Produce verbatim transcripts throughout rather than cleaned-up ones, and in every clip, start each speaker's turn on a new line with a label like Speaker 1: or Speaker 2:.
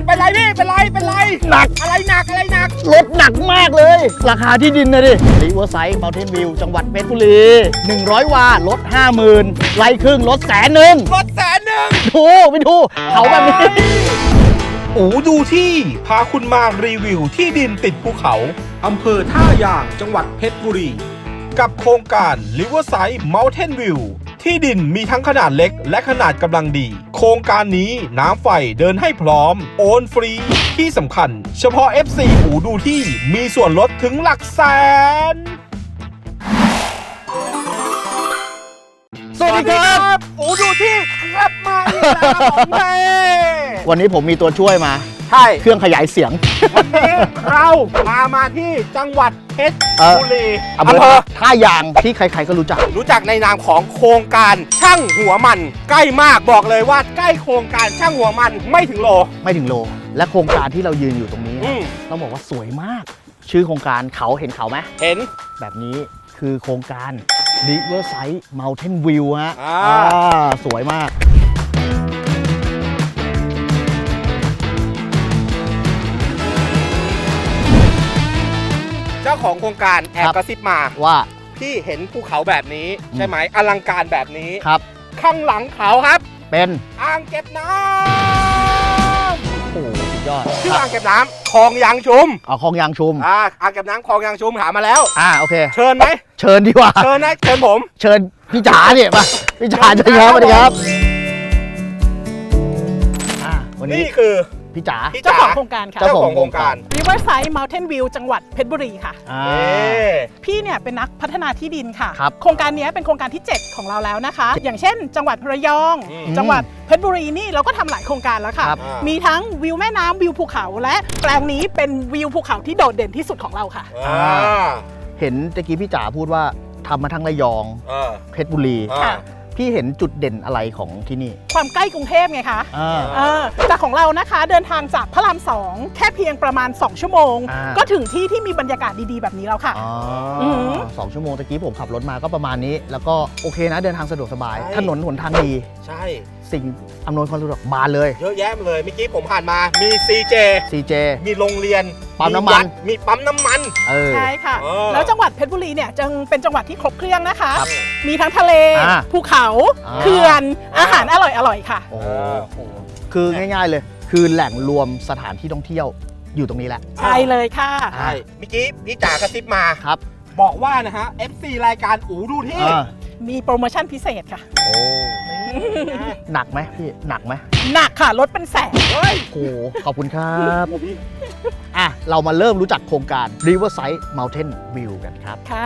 Speaker 1: เป็นไรพี่เป็นไรเป็นไรหนักอะไรหนักอะไรหนัก
Speaker 2: รถหนักมากเลยราคาที่ดินนะดิริเวอร์ไซด์เมลเทนวิวจังหวัดเพชรบุรีหนึ่งร้อย วาลด ห้าหมื่น ไร่ครึ่งลดแสนหนึ่ง
Speaker 1: ลดแสนหนึ่ง
Speaker 2: ดูไปดูเขาแบบนี้
Speaker 1: อูดูที่พาคุณมารีวิวที่ดินติดภูเขาอำเภอท่ายางจังหวัดเพชรบุรีกับโครงการ Riverside Mountain View ที่ดินมีทั้งขนาดเล็กและขนาดกำลังดีโครงการนี้น้ำไฟเดินให้พร้อมโอนฟรีที่สำคัญเฉพาะ เอฟ ซี อูดูที่มีส่วนลดถึงหลักแสน
Speaker 2: สวัสดีครับ
Speaker 1: อูดูที่กลับมาอีกแล้วของแม่
Speaker 2: วันนี้ผมมีตัวช่วยมา
Speaker 1: ใช่
Speaker 2: เครื่องขยายเสียง
Speaker 1: วันนี้เราพามาที่จังหวัดเพชรบุรี
Speaker 2: อำเภอท่ายางที่ใครๆก็รู้จัก
Speaker 1: รู้จักในนามของโครงการช่างหัวมันใกล้มากบอกเลยว่าใกล้โครงการช่างหัวมันไม่ถึงโล
Speaker 2: ไม่ถึงโลและโครงการที่เรายืนอยู่ตรงนี้ต้องบอกว่าสวยมากชื่อโครงการเขาเห็นเขาไหม
Speaker 1: เห็น
Speaker 2: แบบนี้คือโครงการ Riverside Mountain View ฮะสวยมาก
Speaker 1: เจ้าของโครงการแอบกระซิบมา
Speaker 2: ว่า
Speaker 1: พี่เห็นภูเขาแบบนี้ใช่ไหมอลังการแบบนี้
Speaker 2: ครับ
Speaker 1: ข้างหลังเขาครับ
Speaker 2: เป็น
Speaker 1: อ่างเก็บน้
Speaker 2: ำโอ้สุดยอด
Speaker 1: ชื่ออ่างเก็บน้ำคลองยางชุม
Speaker 2: อ๋อคลองยางชุม
Speaker 1: อ่าอ่างเก็บน้ำคลองยางชุมหามาแล้ว
Speaker 2: อ่าโอเค
Speaker 1: เชิญไหม
Speaker 2: เชิญดีกว่า
Speaker 1: เชิญนะเชิญผม
Speaker 2: เชิญพี่จ๋าเนี่ยมาพี่จ๋าเชิญครับสวัสดีครับอ่าวันนี้
Speaker 1: นี่คือ
Speaker 2: พี่จ๋า
Speaker 3: เจ้าของโครงการค่ะ
Speaker 1: เจ้าของโครงการ
Speaker 3: Riverside Mountain View จังหวัดเพชรบุรีค่ะพี่เนี่ยเป็นนักพัฒนาที่ดินค่ะโครงการนี้เป็นโครงการที่เจ็ดของเราแล้วนะคะอย่างเช่นจังหวัดระยองจังหวัดเพชรบุรีนี่เราก็ทำหลายโครงการแล้วค่ะมีทั้งวิวแม่น้ำวิวภูเขาและแปลงนี้เป็นวิวภูเขาที่โดดเด่นที่สุดของเราค่ะ
Speaker 2: เห็นตะกี้พี่จ๋าพูดว่าทำมาทั้งระยองเพชรบุรีพี่เห็นจุดเด่นอะไรของที่นี่
Speaker 3: ความใกล้กรุงเทพไงคะแต่ของเรานะคะเดินทางจากพระรามสองแค่เพียงประมาณสองชั่วโมงก็ถึงที่ที่มีบรรยากาศดีๆแบบนี้แล้วค่ะ
Speaker 2: สองชั่วโมงตะกี้ผมขับรถมาก็ประมาณนี้แล้วก็โอเคนะเดินทางสะดวกสบายถนนหนทางดี
Speaker 1: ใช่
Speaker 2: สิ่งอำนวยความสะดวกบานเลย
Speaker 1: เยอะแยะเลยเมื่อกี้ผมผ่านมามี ซี เจ
Speaker 2: ซี เจ
Speaker 1: มีโรงเรียน
Speaker 2: ปั๊มน้ำมัน
Speaker 1: มีปั๊มน้ำมัน
Speaker 3: ใช่ค่ะแล้วจังหวัดเพชรบุรีเนี่ยจึงเป็นจังหวัดที่ครบเครื่องนะคะมีทั้งทะเลภูเขาเขื่อนอาหารอร่อยๆค่ะ
Speaker 2: โอ้โหคือง่ายๆเลยคือแหล่งรวมสถานที่ท่องเที่ยวอยู่ตรงนี้แหละ
Speaker 3: ใช่เลยค่ะ
Speaker 1: ใช่เมื่อกี้พี่จ๋ากระซิบมา
Speaker 2: ครับ
Speaker 1: บอกว่านะฮะ เอฟ ซี รายการอูดูที่
Speaker 3: มีโปรโมชั่นพิเศษค่ะ
Speaker 2: โอ้หนักไหมพี่หนักไหม
Speaker 3: หนักค่ะลดเป็นแสน
Speaker 2: โอ้โหขอบคุณครับอ่ะเรามาเริ่มรู้จักโครงการ Riverside Mountain View กันครับ
Speaker 3: ค่ะ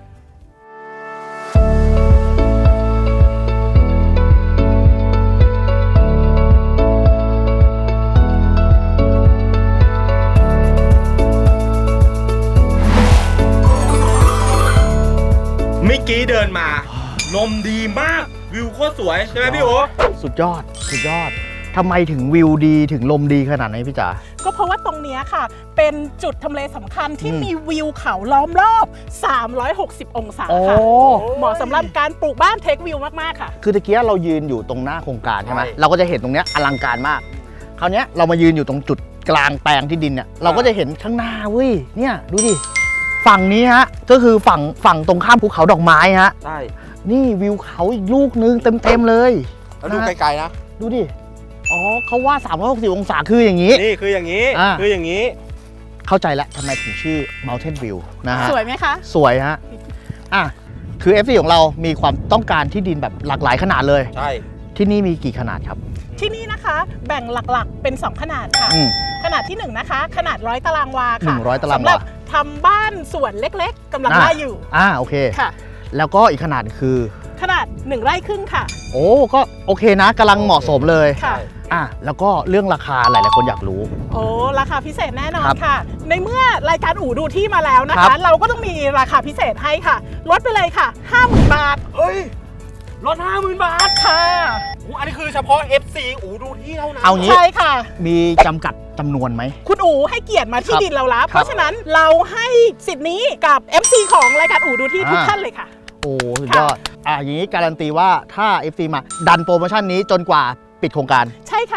Speaker 1: เมื่อกี้เดินมาลมดีมากวิวโคตรสวยใช่ไหมพี่โอ๋
Speaker 2: สุดยอดสุดยอดทำไมถึงวิวดีถึงลมดีขนาดนี้พี่จ๋า
Speaker 3: ก็เพราะว่าตรงนี้ค่ะเป็นจุดทำเลสำคัญที่มีวิวเขาล้อมรอบสามร้อยหกสิบองศาค่ะเหมาะสำหรับการปลูกบ้านเทควิวมากๆค่ะ
Speaker 2: คือตะกี้เรายืนอยู่ตรงหน้าโครงการใช่ไหมเราก็จะเห็นตรงนี้อลังการมากคราวนี้เรามายืนอยู่ตรงจุดกลางแปลงที่ดินเนี่ยเราก็จะเห็นข้างหน้าเว้ยเนี่ยดูดิฝั่งนี้ฮะก็คือฝั่งฝั่งตรงข้ามภูเขาดอกไม้ฮะ
Speaker 1: ใช่
Speaker 2: นี่วิวเขาอีกลูกนึงเต็มๆเลย
Speaker 1: แล้วดูไกลๆนะ
Speaker 2: ดูดิอ๋อเขาว่าสามร้อยหกสิบองศาคืออย่างนี้
Speaker 1: นี่คืออย่างนี้คืออย่างนี้
Speaker 2: เข้าใจแล้วทำไมถึงชื่อ Mountain View นะฮะ
Speaker 3: สวยไหมคะ
Speaker 2: สวยฮะอ่ะคือ เอฟ ซี ของเรามีความต้องการที่ดินแบบหลากหลายขนาดเลย
Speaker 1: ใช่
Speaker 2: ที่นี่มีกี่ขนาดครับ
Speaker 3: ที่นี่นะคะแบ่งหลักๆเป็นสองขนาดค่ะขนาดที่หนึ่งนะคะขนาดร้อยตารางวาค่ะ
Speaker 2: หนึ่งร้อยตารางวา
Speaker 3: สำหรับทำบ้านส่วนเล็กๆกำลังได้อยู่
Speaker 2: อ่าโอเค
Speaker 3: ค่ะ
Speaker 2: แล้วก็อีกขนาดคือ
Speaker 3: ขนาดหนึ่งไร่ครึ่งค่ะ
Speaker 2: โอ้ก็โอเคนะกำลังเหมาะสมเลย
Speaker 3: ค่ะ
Speaker 2: อ่ะแล้วก็เรื่องราคาหลายๆคนอยากรู้
Speaker 3: โอ้ราคาพิเศษแน่นอนค่ะในเมื่อรายการอู่ดูที่มาแล้วนะคะเราก็ต้องมีราคาพิเศษให้ค่ะลดไปเลยค่ะ ห้าหมื่น บาท
Speaker 1: เฮ้ยลด ห้าหมื่น บาท
Speaker 3: ค่ะ
Speaker 1: อันนี้คือเฉพาะ เอฟ ซี อู่ดูที่เท่านั้น
Speaker 2: เอางี้
Speaker 3: ใช่ค่ะ
Speaker 2: มีจำกัดจำนวนไหม
Speaker 3: คุณอู๋ให้เกียรติมาที่ดินเราแล้วเพราะฉะนั้นเราให้สิทธิ์นี้กับ เอฟ ซี ของรายการอู่ดูที่ทุกท่านเลยค่ะ
Speaker 2: โอ้สุดยอดอ่ะอย่างนี้การันตีว่าถ้า เอฟ ซี มาดันโปรโมชั่นนี้จนกว่าปิดโครงการ
Speaker 3: ใช่ค่ะ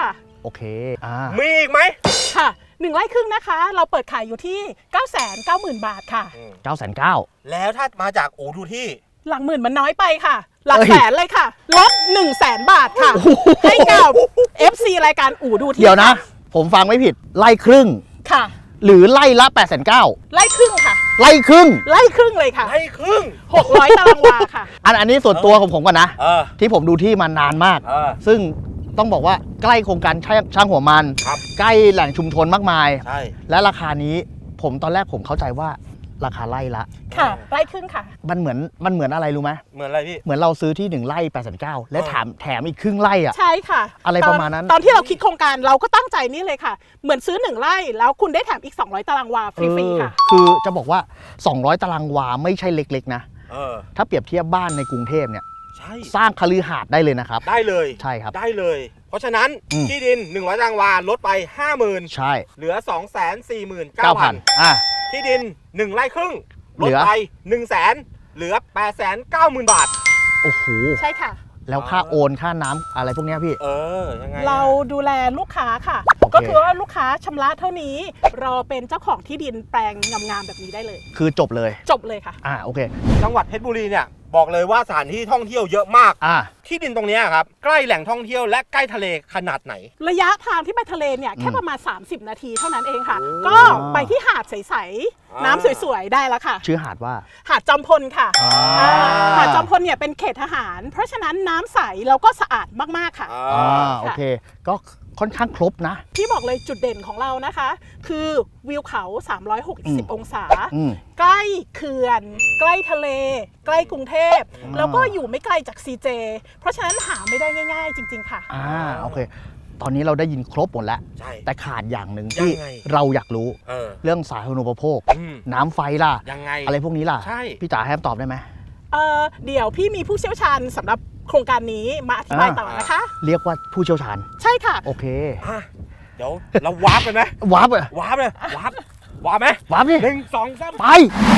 Speaker 2: โอเคอ่า
Speaker 1: มีอีกไหม
Speaker 3: ค่ะหนึ่งไร่ครึ่งนะคะ เราเปิดขายอยู่ที่ เก้าแสนเก้าหมื่น บาทค่ะ
Speaker 2: เก้าแสนเก้า
Speaker 1: แล้วถ้ามาจากอู่ดูที่
Speaker 3: หลักหมื่นมันน้อยไปค่ะ หลัก
Speaker 2: เอ้ย
Speaker 3: แสนเลยค่ะลดหนึ่งแสนบาทค่ะ ให้กับ เอฟ ซี รายการอู่ดูที่
Speaker 2: เดี๋ยวนะ
Speaker 3: ค่
Speaker 2: ผมฟังไม่ผิดไล่ครึ่ง
Speaker 3: ค่ะ
Speaker 2: หรือไล่ละแปดแสนเก้า
Speaker 3: ไร่ครึ่งค่ะ
Speaker 2: ไล่ครึ่ง
Speaker 3: ไร่ครึ่งเลยค่ะ
Speaker 1: ให้ครึ่ง
Speaker 3: หกร้อยตารางวาค่ะ
Speaker 2: อันอันนี้ส่วนตัวของผมก่อนนะ
Speaker 1: เออ
Speaker 2: ที่ผมดูที่มานานมาก
Speaker 1: เออ
Speaker 2: ซึ่งต้องบอกว่าใกล้โครงการช่างช่างหัวมัน
Speaker 1: ครับ
Speaker 2: ใกล้แหล่งชุมชนมากมาย
Speaker 1: ใช่
Speaker 2: และราคานี้ผมตอนแรกผมเข้าใจว่าราคาไล่ละ
Speaker 3: ค่ะ ไร่ครึ่งค่ะ
Speaker 2: มันเหมือนมันเหมือนอะไรรู้ไหม
Speaker 1: เหมือนอะไรพี่
Speaker 2: เหมือนเราซื้อที่หนึ่งไร่แปดแสนเก้าและแถมแถมอีกครึ่งไร่อ่ะ
Speaker 3: ใช่ค่ะ
Speaker 2: อะไร
Speaker 3: ต
Speaker 2: ประมาณนั้น
Speaker 3: ตอนที่เราคิดโครงการเราก็ตั้งใจนี่เลยค่ะ เหมือนซื้อหนึ่งไร่แล้วคุณได้แถมอีกสองร้อยตารางวาฟรีๆค่ะ
Speaker 2: เออคือจะบอกว่า สองร้อย ตารางวาไม่ใช่เล็กๆนะ
Speaker 1: เออ
Speaker 2: ถ้าเปรียบเทียบบ้านในกรุงเทพเนี่ย
Speaker 1: ใช่
Speaker 2: สร้างคฤหาสน์ได้เลยนะครับ
Speaker 1: ได้เลย
Speaker 2: ใช่ครับ
Speaker 1: ได้เลย เพราะฉะนั้น
Speaker 2: อืม
Speaker 1: ที่ดินหนึ่งร้อยตารางวาลดไป ห้าหมื่น
Speaker 2: ใช่
Speaker 1: เหลือ สองแสนสี่หมื่น
Speaker 2: เก้า
Speaker 1: เก้า
Speaker 2: พั
Speaker 1: พั
Speaker 2: น
Speaker 1: น
Speaker 2: อ่ะ
Speaker 1: ที่ดินหนึ่งไร่ครึ่ง
Speaker 2: เห
Speaker 1: ล
Speaker 2: ลื
Speaker 1: ด
Speaker 2: อ
Speaker 1: ไป หนึ่งแสน เหลือ แปดแสนเก้าหมื่น บาท
Speaker 2: โอ้โห
Speaker 3: ใช่ค่ะ
Speaker 2: แล้วค่าโอนค่าน้ำอะไรพวกเนี้ยพี่
Speaker 1: เออ ยังไงอะ
Speaker 3: เราดูแลลูกค้าค่ะ
Speaker 2: โอเค
Speaker 3: ก็คือว่าลูกค้าชำระเท่านี้ เราเป็นเจ้าของที่ดินแปลงงามๆแบบนี้ได้เลย
Speaker 2: คือจบเลย
Speaker 3: จบเลยค่ะ
Speaker 2: อ่าโอเค
Speaker 1: จังหวัดเพชรบุรีเนี่ยบอกเลยว่าสถานที่ท่องเที่ยวเยอะมาก
Speaker 2: อ่า
Speaker 1: ที่ดินตรงเนี้ยครับใกล้แหล่งท่องเที่ยวและใกล้ทะเลขนาดไหน
Speaker 3: ระยะทางที่ไปทะเลเนี่ย
Speaker 2: อืม
Speaker 3: แค่ประมาณ สามสิบ นาทีเท่านั้นเองค่ะ
Speaker 1: โอ้
Speaker 3: ก็ไปที่หาดใส
Speaker 1: อ่า
Speaker 3: ๆ น้ำสวยๆ ได้แล้วค่ะ
Speaker 2: ชื่อหาดว่า
Speaker 3: หาดจอมพลค่ะ
Speaker 2: อ่า
Speaker 3: อ่าหาดจอมพลเนี่ยเป็นเขตทหาร เพราะฉะนั้นน้ำใสแล้วก็สะอาดมากๆค่ะ
Speaker 1: อ่า
Speaker 2: อ่าโอเค ก็ค่อนข้างครบนะ
Speaker 3: ที่บอกเลยจุดเด่นของเรานะคะ คือวิวเขา สามร้อยหกสิบ
Speaker 2: อืม
Speaker 3: องศา
Speaker 2: อืม
Speaker 3: ใกล้เขื่อน ใกล้ทะเล ใกล้กรุงเทพ
Speaker 2: อ่า
Speaker 3: แล้วก็อยู่ไม่ไกลจาก ซี เจ เพราะฉะนั้นหาไม่ได้ง่ายๆ จริง ๆ ค่ะ
Speaker 2: อ่าโอเค ตอนนี้เราได้ยินครบหมดแล้ว
Speaker 1: ใช่
Speaker 2: แต่ขาดอย่างหนึ่งที่
Speaker 1: ยังไง
Speaker 2: เราอยากรู้
Speaker 1: เออ
Speaker 2: เรื่องสาธารณูปโภค
Speaker 1: อืม
Speaker 2: น้ำไฟล่ะ
Speaker 1: ยังไง
Speaker 2: อะไรพวกนี้ล่ะ
Speaker 1: ใช่
Speaker 2: พี่จ๋าให้คำตอบได้ไหม
Speaker 3: เอ่อเดี๋ยวพี่มีผู้เชี่ยวชาญสำหรับโครงการนี้มาอธิบาย
Speaker 2: อ่า
Speaker 3: ต่อนะคะ
Speaker 2: เรียกว่าผู้เชี่ยวชาญ
Speaker 3: ใช่ค่ะ
Speaker 2: โอเค
Speaker 1: อ่ะเดี๋ยวเราวาร์ปกันไหม
Speaker 2: วาร์ปอะ
Speaker 1: วาร์ปเลยวาร์ปวาร์ปไหม
Speaker 2: วาร์ปดิ
Speaker 1: หนึ่งสองสาม
Speaker 2: ไป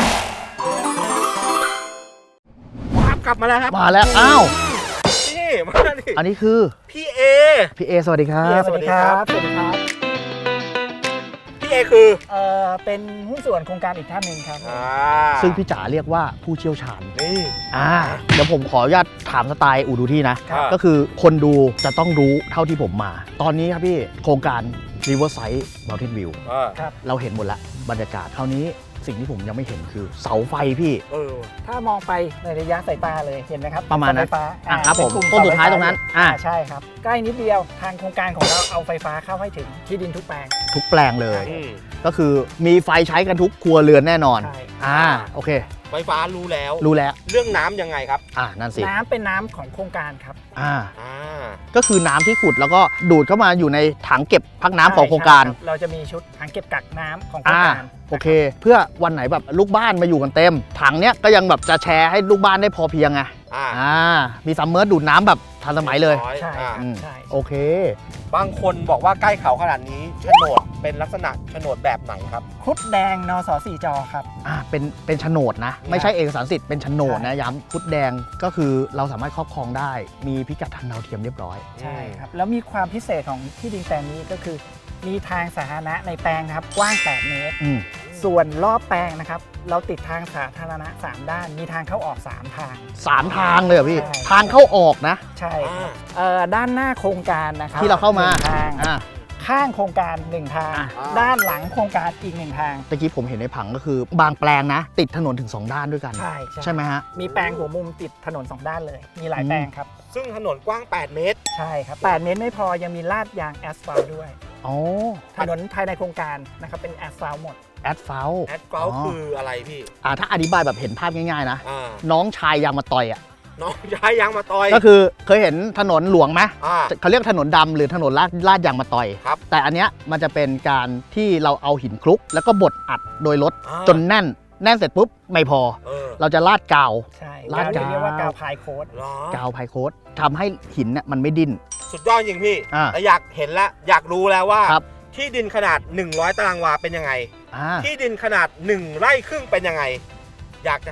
Speaker 1: วาร์ปกลับมาแล้วครับ
Speaker 2: มาแล้ว อ้าว
Speaker 1: นี่มาดิ
Speaker 2: อันนี้คือ
Speaker 1: พี่เอ
Speaker 2: พี่เอสวัสดีครับ
Speaker 1: สวัสดีครับ
Speaker 4: สวัสดีครับ
Speaker 1: พี่เอคือ
Speaker 4: เอ่อเป็นหุ้นส่วนโครงการอีกท่านหนึ่งครับ
Speaker 1: อ่า
Speaker 2: ซึ่งพี่จ๋าเรียกว่าผู้เชี่ยวชาญ
Speaker 1: นี่
Speaker 2: อ่า เดี๋ยวผมขออนุญาตถามสไตล์อูดูที่นะ
Speaker 1: ครับ
Speaker 2: ก็คือคนดูจะต้องรู้เท่าที่ผมมา ตอนนี้ครับพี่ โครงการ Riverside Mountain View
Speaker 1: อ่า
Speaker 4: ครับ
Speaker 2: เราเห็นหมดแล้วบรรยากาศคราวนี้สิ่งที่ผมยังไม่เห็นคือเสาไฟพี่
Speaker 1: เออ
Speaker 4: ถ้ามองไปในระยะสายตาเลยเห็นไหมครับ
Speaker 2: ประมาณนั้น
Speaker 4: เสไฟฟ้า
Speaker 2: อ่ะครับผม
Speaker 4: เป็นกลุ่
Speaker 2: ต้นสุดท้ายตรงนั้น
Speaker 4: อ่า
Speaker 2: อ่ะ
Speaker 4: ใช่ครับ ใกล้นิดเดียวทางโครงการของเราเอาไฟฟ้าเข้าให้ถึงที่ดินทุกแปลง
Speaker 2: ทุกแปลงเลย
Speaker 1: อืม
Speaker 2: ก็คือมีไฟใช้กันทุกครัวเรือนแน่นอน
Speaker 4: ใช่
Speaker 2: อ่า โอเค
Speaker 1: ไฟฟ้ารู้แล้ว
Speaker 2: รู้แล้ว
Speaker 1: เรื่องน้ำยังไงครับ
Speaker 2: อ่า นั่นสิ
Speaker 4: น้ำเป็นน้ำของโครงการครับ
Speaker 2: อ่า
Speaker 1: อ่า
Speaker 2: ก็คือน้ำที่ขุดแล้วก็ดูดเข้ามาอยู่ในถังเก็บพักน้ำของโครงการ
Speaker 4: ใช่คบเราจะมีชุดถังเก็บกักน้ำของโครง
Speaker 2: อ่า
Speaker 4: การ
Speaker 2: โอเค เพื่อวันไหนแบบลูกบ้านมาอยู่กันเต็ม ถังเนี้ยก็ยังแบบจะแชร์ให้ลูกบ้านได้พอเพียงไง
Speaker 1: อ่า
Speaker 2: อ่า มีซัมเมอร์ดูดน้ำแบบทันสมัยเลย
Speaker 1: ร้อ
Speaker 4: ใช่
Speaker 1: อ่า
Speaker 2: อืม
Speaker 4: ใช่
Speaker 2: โอเค
Speaker 1: บางคนบอกว่าใกล้เขาขนาดนี้โฉนดเป็นลักษณะโฉนดแบบไหนครับ
Speaker 4: คุดแดงนสสี่จอครับ
Speaker 2: อ่า เป็น เป็นโฉนดนะ ไม่ใช่เอกสารสิทธิ์ เป็นโฉนดนะ ย้ำพุดแดงก็คือเราสามารถครอบครองได้ มีพิกัดทางดาวเทียมเรียบร้อย
Speaker 4: ใช่ครับ แล้วมีความพิเศษของที่ดินแปลงนี้ก็คือ มีทางสาธารณะในแปลงนะครับกว้าง แปด เมตร
Speaker 2: อืม
Speaker 4: ส่วนรอบแปลงนะครับ เราติดทางสาธารณะ สาม ด้าน มีทางเข้าออก สาม ทาง
Speaker 2: สามทางเลยเหรอพี่
Speaker 4: ใช่
Speaker 2: ทางเข้าออกนะ
Speaker 4: ใช่
Speaker 1: อ่า
Speaker 4: เอ่อด้านหน้าโครงการนะครับ
Speaker 2: ที่เราเข้ามา
Speaker 4: หนึ่งทาง
Speaker 2: อ่า
Speaker 4: ข้างโครงการ หนึ่ง ทาง
Speaker 2: อ่ะ
Speaker 4: ด้านหลังโครงการอีก หนึ่ง ทาง
Speaker 2: ตะกี้ผมเห็นในผังก็คือบางแปลงนะ ติดถนนถึงสองด้านด้วยกัน
Speaker 4: ใช่
Speaker 2: ใช่ไหมฮะ
Speaker 4: มีแปลงหัวมุมติดถนน สอง ด้านเลย มีหลาย
Speaker 2: อืม
Speaker 4: แปลงครับ
Speaker 1: ซึ่งถนนกว้าง แปด เมตร
Speaker 4: ใช่ครับ แปด เมตรไม่พอยังมีลาดยางแอสฟัลต์ด้วย
Speaker 2: อ๋อ
Speaker 4: ถนนภายในโครงการนะครับเป็นแอสฟัลต์หมด
Speaker 2: แอดเฟล
Speaker 1: แอดเกลคืออะไรพี่
Speaker 2: อ่าถ้าอธิบายแบบเห็นภาพง่ายๆนะ
Speaker 1: อ่า
Speaker 2: น้องชายยางมาต่อยอ่ะ
Speaker 1: น้องย้ายยางมาต่อย
Speaker 2: ก็คือเคยเห็นถนนหลวงไหม
Speaker 1: อ่า
Speaker 2: เขาเรียกถนนดำหรือถนนลาดลาดยางมาต่อย
Speaker 1: ครับ
Speaker 2: แต่อันเนี้ยมันจะเป็นการที่เราเอาหินคลุก แล้วก็บดอัดโดยรถ
Speaker 1: อ่า
Speaker 2: จนแน่น แน่นเสร็จปุ๊บไม่พอ
Speaker 1: เออ
Speaker 2: เราจะลาดกาว
Speaker 4: ใช่
Speaker 2: ลาด
Speaker 4: กาวเรียกว่ากาว
Speaker 2: กาว
Speaker 4: พายโค้ด
Speaker 1: เหรอก
Speaker 2: าวไพโคตทำให้หินเนี่ยมันไม่ดิ้น
Speaker 1: สุดยอดจริงพี่
Speaker 2: อ่า
Speaker 1: แต่อยากเห็นแล้วอยากรู้แล้วว่า
Speaker 2: ครับ
Speaker 1: ที่ดินขนาด หนึ่งร้อย ตารางวาเป็นยังไง
Speaker 2: อ่า
Speaker 1: ที่ดินขนาด หนึ่ง ไร่ครึ่งเป็นยังไง อยากจะให้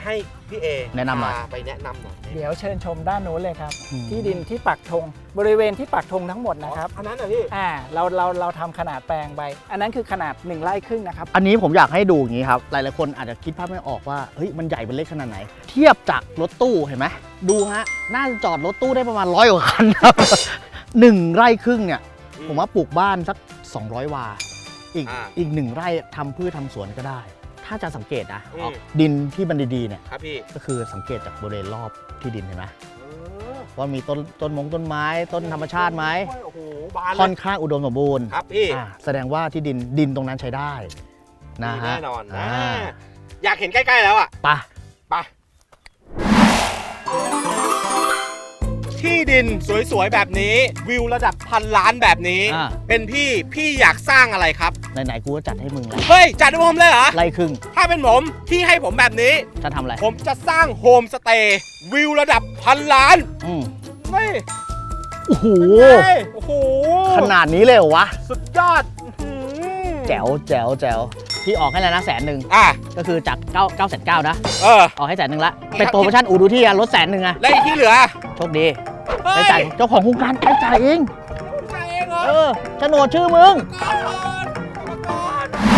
Speaker 1: พี่เอ
Speaker 2: แนะนำหน่อย
Speaker 1: พาไปแนะนำหน่อย
Speaker 4: เดี๋ยวเชิญชมด้านนู้นเลยครับ
Speaker 2: อืม
Speaker 4: ที่ดินที่ปักธงบริเวณที่ปักธงทั้งหมดนะครับ
Speaker 1: อันนั้นเหรอพี่
Speaker 4: อ่าเราเราเราทำขนาดแปลงไปอันนั้นคือขนาดหนึ่งไร่ครึ่งนะครับ
Speaker 2: อันนี้ผมอยากให้ดูอย่างนี้ครับ หลายๆคนอาจจะคิดภาพไม่ออกว่าเฮ้ยมันใหญ่เป็นเล็กขนาดไหน เทียบจากรถตู้เห็นไหมดูฮะน่าจะจอดรถตู้ได้ประมาณร้อยกว่าคันครับ หนึ่งไร่ครึ่งเนี่ย
Speaker 1: อืม
Speaker 2: ผมว่าปลูกบ้านสักสองร้อยวา อีก
Speaker 1: อ่า
Speaker 2: อีกหนึ่งไร่ทำพืชทำสวนก็ได้ ถ้าจะสังเกตนะ
Speaker 1: อืม
Speaker 2: ออกดินที่มันดีๆเนี่ย
Speaker 1: ครับพี่
Speaker 2: ก็คือสังเกตจากบริเวณรอบที่ดินเห็นไหมว่ามีต้นต้นมงต้นไม้ต้นธรรมชาติไหม
Speaker 1: โอ้โหบานเลย
Speaker 2: ค่อนข้างอุดมสมบูรณ์
Speaker 1: ครับพี่
Speaker 2: อ่าแสดงว่าที่ดินดินตรงนั้นใช้ได้นะ
Speaker 1: มี
Speaker 2: ฮะ
Speaker 1: แน่นอนนะ
Speaker 2: อ่า
Speaker 1: อยากเห็นใกล้ๆแล้วอ่ะ
Speaker 2: ไปะ
Speaker 1: ไปที่ดินสวยๆแบบนี้ วิวระดับพันล้านแบบนี้
Speaker 2: อ่า
Speaker 1: เป็นพี่พี่อยากสร้างอะไรครับ
Speaker 2: ไหนๆกูก็จัดให้มึงแล้ว
Speaker 1: เฮ้ย จัดให้ผมเลยเหรอ
Speaker 2: ไร่ครึ่ง
Speaker 1: ถ้าเป็นผมที่ให้ผมแบบนี้
Speaker 2: จะทำอะไร
Speaker 1: ผมจะสร้างโฮมสเตย์วิวระดับพันล้าน
Speaker 2: อืม
Speaker 1: เฮ้ย
Speaker 2: โอ้โห
Speaker 1: เฮ้ยโอ้โห
Speaker 2: ขนาดนี้เลยเหรอวะ
Speaker 1: สุดยอดอื้อหือ
Speaker 2: แจ๋วแจ๋วแจ๋วพี่ออกให้แล้วนะแสนหนึ่ง
Speaker 1: อ่ะ
Speaker 2: ก็คือจากเก้า เก้าแสนเก้านะ
Speaker 1: เออ
Speaker 2: ออกให้แสนหนึ่งละเป็นโปรโมชั่นอูดูที่อะลดแสนหนึ่งอะ
Speaker 1: แล้วอีกที่เหลือ
Speaker 2: โชคดี
Speaker 1: เฮ้
Speaker 2: ไปจ่ายเจ้าของโครงการไปจ่ายเอง
Speaker 1: จ่ายเองเหรอ
Speaker 2: เออโฉนดชื่อมึง
Speaker 1: ก่อนก่อน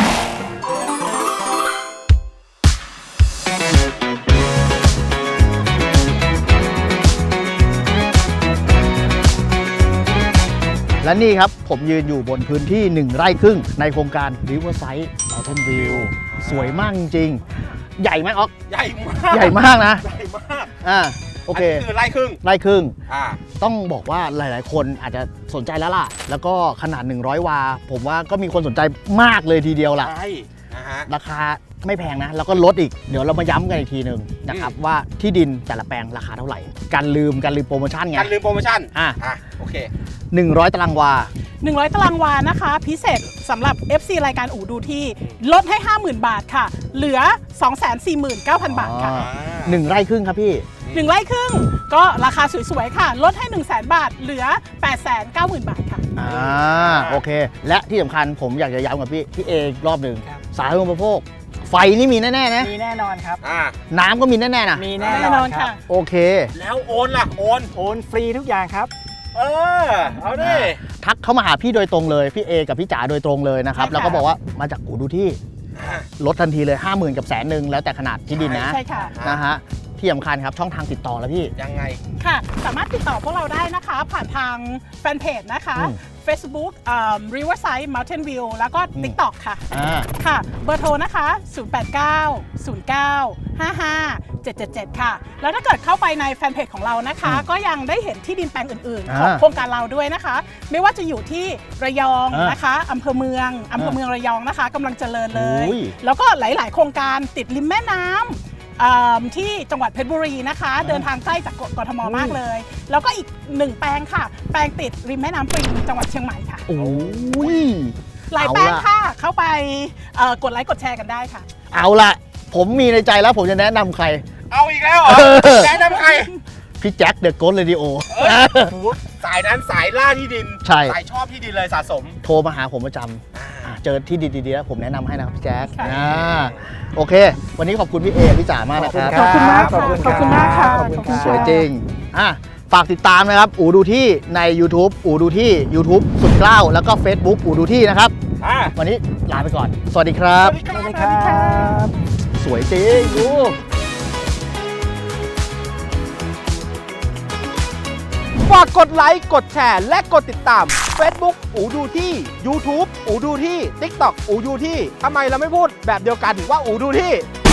Speaker 2: และนี่ครับ ผมยืนอยู่บนพื้นที่หนึ่งไร่ครึ่งในโครงการ Riverside Mountain View สวยมากจริงๆ ใหญ่ไหมออก
Speaker 1: ใหญ่มาก
Speaker 2: ใหญ่มากนะ
Speaker 1: ใหญ่มาก
Speaker 2: อ่าโอเค
Speaker 1: นนี้คือไร่ครึ่ง
Speaker 2: ไร่ครึ่ง
Speaker 1: อ่า
Speaker 2: ต้องบอกว่าหลายๆ คนอาจจะสนใจแล้วล่ะ แล้วก็ขนาด หนึ่งร้อย วา ผมว่าก็มีคนสนใจมากเลยทีเดียวล่ะ
Speaker 1: ใช่นะฮะ
Speaker 2: ราคาไม่แพงนะ แล้วก็ลดอีก เดี๋ยวเรามาย้ำกันอีกทีหนึ่งนะครับ ว่าที่ดินแต่ละแปลงราคาเท่าไหร่ กันลืมกันลืมโปรโมชั่นไง
Speaker 1: การลืมโปรโมชั่น
Speaker 2: อ่ะ
Speaker 1: อ่ะ โอเค
Speaker 2: หนึ่งร้อย ตารางวา
Speaker 3: หนึ่งร้อย ตารางวานะคะ พิเศษสำหรับ เอฟ ซี รายการอู่ดูที่ลดให้ ห้าหมื่น บาทค่ะ เหลือ สองแสนสี่หมื่นเก้าพัน บาทค่ะ
Speaker 2: อ๋อ หนึ่งไร่ครึ่งครับพี่
Speaker 3: หนึ่งไร่ครึ่งก็ราคาสวยๆค่ะ ลดให้ หนึ่งแสน บาท เหลือ แปดแสนเก้าหมื่น บาทค่ะ
Speaker 2: อ่าโอเค และที่สำคัญผมอยากจะย้ำกับพี่พี่เออีกรอบหนึ่ง
Speaker 4: ครับ
Speaker 2: สาธารณูปโภค ไฟนี่มีแน่ๆนะ
Speaker 4: มีแน่นอนครับ
Speaker 1: อ่า
Speaker 2: น้ำก็มีแน่ๆนะ
Speaker 4: มีแน่
Speaker 3: แน่
Speaker 4: น
Speaker 3: น
Speaker 4: อ
Speaker 3: อน น
Speaker 4: ครั
Speaker 3: ค่ะ
Speaker 4: บ
Speaker 2: โอเค
Speaker 1: แล้วโอนล่ะ โอน
Speaker 4: โอนฟรีทุกอย่างครับ
Speaker 1: เออ เอาดิ
Speaker 2: ทักเข้ามาหาพี่โดยตรงเลย พี่เอกับพี่จ๋าโดยตรงเลยนะครับ
Speaker 3: ใช่ค่ะ
Speaker 2: แล้วก็บอกว่ามาจากอูดูที่
Speaker 1: อ่า
Speaker 2: ลดทันทีเลย ห้าหมื่น กับแสนหนึ่งแล้วแต่ขนาดที่ดินนะ
Speaker 3: ใช่ค่ะ
Speaker 2: นะฮะที่สำคัญครับช่องทางติดต่อแล้วพี่
Speaker 1: ยังไง
Speaker 3: ค่ะ สามารถติดต่อพวกเราได้นะคะ ผ่านทางแฟนเพจนะคะ
Speaker 2: อืม
Speaker 3: Facebook อ่า Riverside Mountain View แล้วก็
Speaker 2: อืม
Speaker 3: TikTok ค่ะ
Speaker 2: อ่า
Speaker 3: ค่ะ เบอร์โทรนะคะ ศูนย์ แปด เก้า ศูนย์ เก้า ห้า ห้า เจ็ด เจ็ด เจ็ด ค่ะ แล้วถ้าเกิดเข้าไปในแฟนเพจของเรานะคะ
Speaker 2: อืม
Speaker 3: ก็ยังได้เห็นที่ดินแปลงอื่นๆ
Speaker 2: อ่า
Speaker 3: ของโครงการเราด้วยนะคะ ไม่ว่าจะอยู่ที่ระยอง
Speaker 2: อ่าน
Speaker 3: นะคะอำเภอเมืองอำเภอเมืองระยองนะคะกำลังเจริญเลย
Speaker 2: โอ้ย
Speaker 3: แล้วก็หลาย ๆ โครงการติดริมแม่น้ำอ่าที่จังหวัดเพชรบุรีนะคะ เดินทางใกล้จากกทมมากเลย แล้วก็อีกหนึ่งแปลงค่ะ แปลงติดริมแม่น้ำปิงจังหวัดเชียงใหม่ค่ะ
Speaker 2: โอ้ย
Speaker 3: หลาย
Speaker 2: เอา
Speaker 3: แปลง
Speaker 2: ล่ะ
Speaker 3: ค่ะ เข้าไปเอ่อกดไลค์กดแชร์กันได้ค่ะ
Speaker 2: เอาละผมมีในใจแล้วผมจะแนะนำใคร
Speaker 1: เอาอีกแล้วเหรอ
Speaker 2: เออ
Speaker 1: แนะนำใคร
Speaker 2: พี่แจ็คเดอะโกสเรดิโอ
Speaker 1: เอ้ยหูสายนั้นสายล่าที่ดิน
Speaker 2: ใช่
Speaker 1: สายชอบที่ดินเลยสะสม
Speaker 2: โทรมาหาผมประจำอ่าเจอที่ดีๆแล้วผมแนะนำให้นะครับพี่แจ็ค
Speaker 3: ค่ะ
Speaker 2: อ่าโอเค วันนี้ขอบคุณพี่เอพี่จ๋ามากนะครับ
Speaker 3: ขอบคุณมาก
Speaker 4: ขอบคุณ
Speaker 3: ขอบคุณมากค่ะ
Speaker 4: ขอบคุณครับ
Speaker 2: สวยจริงอ่ะฝากติดตามนะครับ อูดูที่ใน YouTube อูดูที่ YouTube สุดเกล้าแล้วก็ Facebook อูดูที่นะครับ
Speaker 1: อ่า
Speaker 2: วันนี้ลาไปก่อน สวัสดีครับ
Speaker 4: สวัสดีครับ
Speaker 2: สวยจริงดู
Speaker 1: ฝากกดไลค์ กดแชร์ และกดติดตาม Facebook อูดูที่ YouTube อูดูที่ TikTok อูดูที่ทำไมเราไม่พูดแบบเดียวกันว่าอูดูที่